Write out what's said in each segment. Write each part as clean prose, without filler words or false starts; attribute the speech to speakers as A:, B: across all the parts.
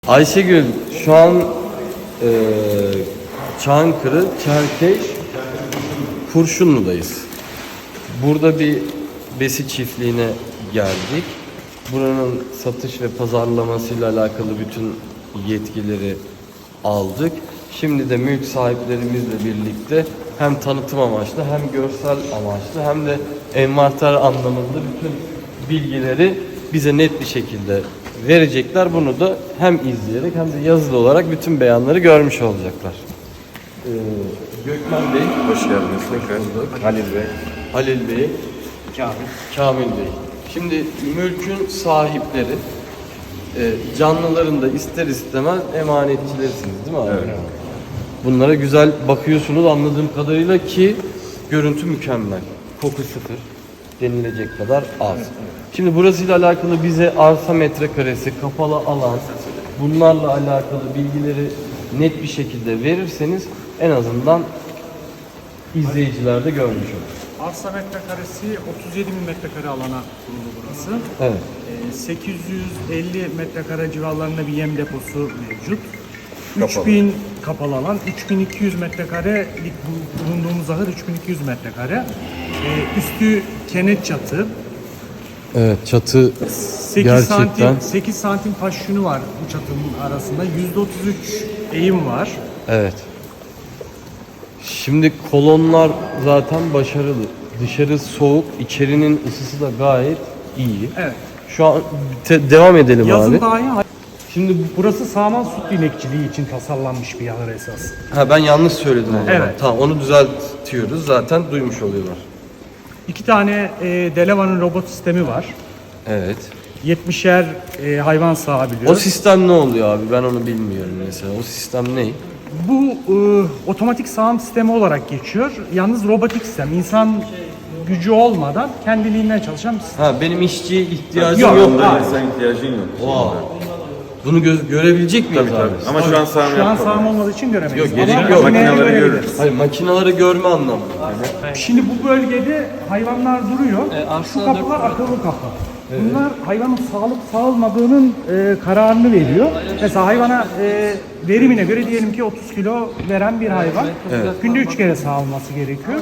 A: Ayşegül, şu an Çankırı, Çerkeş, Kurşunlu'dayız. Burada bir besi çiftliğine geldik. Buranın satış ve pazarlamasıyla alakalı bütün yetkileri aldık. Şimdi de mülk sahiplerimizle birlikte hem tanıtım amaçlı hem görsel amaçlı hem de envanter anlamında bütün bilgileri bize net bir şekilde verecekler. Bunu da hem izleyerek hem de yazılı olarak bütün beyanları görmüş olacaklar. Gökmen Bey,
B: Hoş geldiniz tekrar. Halil Bey.
A: Halil Bey, Kamil Bey. Şimdi mülkün sahipleri, canlıların da ister istemez emanetçilersiniz değil mi abi?
B: Evet.
A: Bunlara güzel bakıyorsunuz anladığım kadarıyla ki görüntü mükemmel. Koku sıfır denilecek kadar az. Şimdi burasıyla alakalı bize arsa metrekaresi, kapalı alan, bunlarla alakalı bilgileri net bir şekilde verirseniz en azından izleyiciler de görmüş olur.
C: Arsa metrekaresi 37 bin metrekare alana kurulu burası.
A: Evet.
C: 850 metrekare civarlarında bir yem deposu mevcut.
B: Kapalı.
C: 3000 kapalı alan, 3200 metrekarelik bulunduğumuz ahır 3200 metrekare. Üstü kenet çatı.
A: Evet, çatı
C: 8
A: gerçekten.
C: santim 8 santim taş yünü var bu çatının arasında. %33 eğim var.
A: Evet. Şimdi kolonlar zaten başarılı. Dışarı soğuk, içerinin ısısı da gayet iyi.
C: Evet.
A: Şu an devam edelim
C: Yazın
A: abi.
C: dahi şimdi burası sağman süt inekçiliği için tasarlanmış bir ahır esas.
A: Ha, ben yanlış söyledim o zaman.
C: Evet.
A: Tamam, onu düzeltiyoruz. Zaten duymuş oluyorlar.
C: 2 tane Delevan'ın robot sistemi var.
A: Evet.
C: 70'er hayvan
A: O
C: sağabiliyor.
A: sistem ne oluyor abi? Ben onu bilmiyorum mesela. O sistem ne?
C: Bu otomatik sağım sistemi olarak geçiyor. Yalnız robotik sistem. İnsan gücü olmadan kendiliğinden çalışan bir sistem.
A: Ha, benim işçiye ihtiyacım
C: Yok,
A: yok.
B: Bunda
C: hayır.
B: insan ihtiyacın yok.
A: Oha. Bunu görebilecek miyiz
B: Tabii
A: abi?
B: tabii. Ama şu an sağım
C: Şu an
B: yapmadım.
C: sağım olmadığı için göremeyiz.
A: Yok, gerek
C: Ama
A: yok.
C: makineleri
B: Makineleri
C: görebiliriz.
B: görürüz.
A: Hayır, makinaları görme anlamında.
C: Şimdi bu bölgede hayvanlar duruyor. Şu kapılar akıllı kapı. Bunlar hayvanın sağlık sağlamadığının kararını veriyor. Mesela hayvana verimine göre diyelim ki 30 kilo veren bir hayvan. Günde 3 kere sağılması gerekiyor.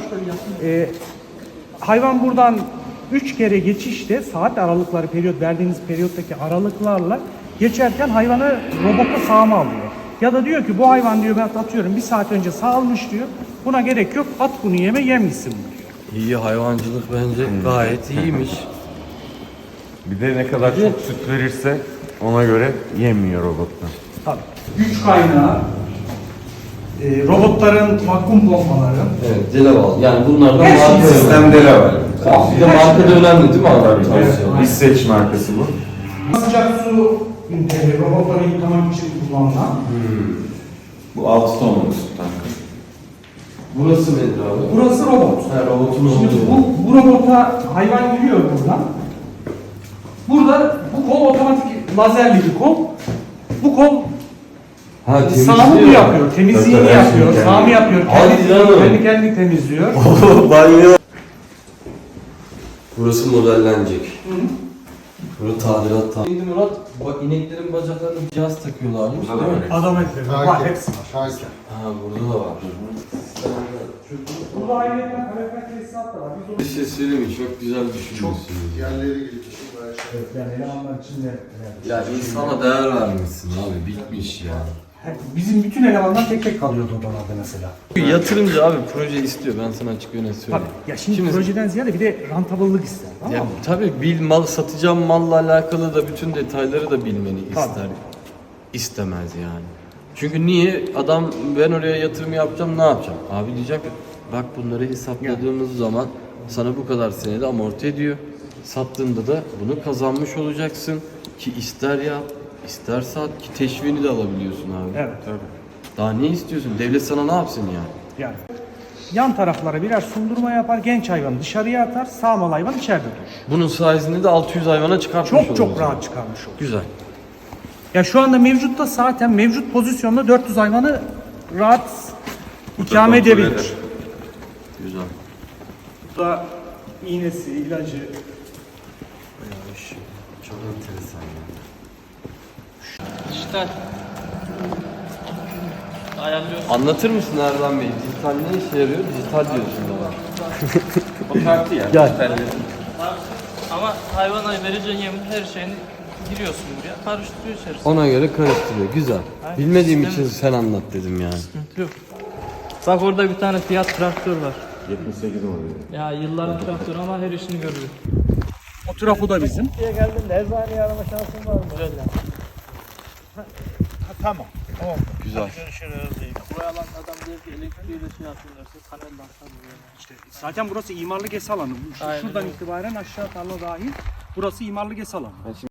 C: Hayvan buradan 3 kere geçişte saat aralıkları verdiğiniz periyottaki aralıklarla geçerken hayvanı robota sağma alıyor. Ya da diyor ki bu hayvan diyor ben atıyorum 1 saat önce sağılmış diyor. Buna gerek yok, at bunu yem gitsin diyor.
A: İyi, hayvancılık bence gayet iyiymiş.
B: Bir de ne kadar çok süt verirse ona göre yemiyor robotlar.
C: Tabii. Güç kaynağı, robotların vakum pompaları.
A: Evet, Delaval. Yani bunlardan
C: Her şey
A: marka önemli.
B: Sistemde de var.
A: Bir de marka da önemli değil mi abi?
B: İsveç markası bu.
C: Sıcak su robotları yıkamak için kullanılan.
B: Bu 6 tonluk süt tankı.
A: Burası nedir abi?
C: Burası robot.
A: Ha, robotun
C: Şimdi
A: olduğu.
C: bu robota hayvan giriyor buradan. Burada bu kol otomatik lazerli bir kol. Bu kol
A: Ha,
C: sağımı bu yapıyor, temizliğini
B: Tabii, her
C: yapıyor,
B: şeyi
C: sağımı yapıyor,
A: Hadi canım.
C: kendi temizliyor.
A: Banyo. Burası modellenecek. Burası tadilat. Şimdi Murat, bak ineklerin bacaklarına bir cihaz takıyorlarmış değil mi?
C: Adam etleri var, hepsi var.
A: Ha, burada da var.
C: Burada ayrıca kalorifer tesisat da var. Biz
A: Bir şey söyleyeyim mi? Çok güzel düşünmüşsün.
D: Yerleri gelişim bayağı şey.
C: yani elemanlar için de
A: Ya insana değer vermişsin abi, bitmiş ya.
C: bizim bütün elemanlar tek tek kalıyordu odalarda mesela.
A: Yatırımcı abi proje istiyor, ben sana açık öyle söyleyeyim.
C: Tabii. Ya şimdi projeden ziyade bir de rantabıllık ister. Tamam
A: Ya
C: mı?
A: tabii mal satacağım malla alakalı da bütün detayları da bilmeni
C: Tabii.
A: ister. İstemez yani. Çünkü niye? Adam ben oraya yatırım yapacağım, ne yapacağım? Abi diyecek bak bunları hesapladığımız zaman sana bu kadar senede amorti ediyor. Sattığında da bunu kazanmış olacaksın ki ister yap, ister sat ki teşviğini de alabiliyorsun abi.
C: Evet.
A: Daha ne istiyorsun? Devlet sana ne yapsın yani?
C: Yani yan taraflara birer sundurma yapar, genç hayvanı dışarıya atar, sağmal hayvan içeride durur.
A: Bunun sayesinde de 600 hayvana çıkartmış
C: Çok
A: oluruz.
C: rahat çıkarmış olur.
A: Güzel.
C: Ya şu anda mevcutta zaten mevcut pozisyonda 400 hayvanı rahat ikame
B: kontrol
C: edebilir.
B: eder.
A: Güzel.
C: Bu da iğnesi, ilacı.
A: Bayağı iş. Çok enteresan ya.
E: Dijital. Ayarlıyorsun.
A: Anlatır mısın Erdoğan Bey? Dijital ne işe yarıyor? Dijital diyorsun bana.
B: O kartı ya.
A: Gel.
E: Ama hayvana vereceğin yemin her şeyini giriyorsun buraya. Karıştırıyor içerisine.
A: Ona göre karıştırıyor. Güzel. Bilmediğim için sen anlat dedim yani.
E: Sıkıntı yok. Bak orada bir tane Fiat traktör var.
B: 78 oluyor.
E: Ya yılların traktörü ama her işini görüyor.
C: O trafo da bizim.
A: Güzel.
E: Buraya alan adam diyor ki elektriğiyle şey yapıyorlarsa panelden sanmıyor.
C: İşte zaten burası imarlı GES alanı.
E: Aynen
C: Şuradan
E: öyle.
C: itibaren aşağı tarla dahil burası imarlı GES alanı.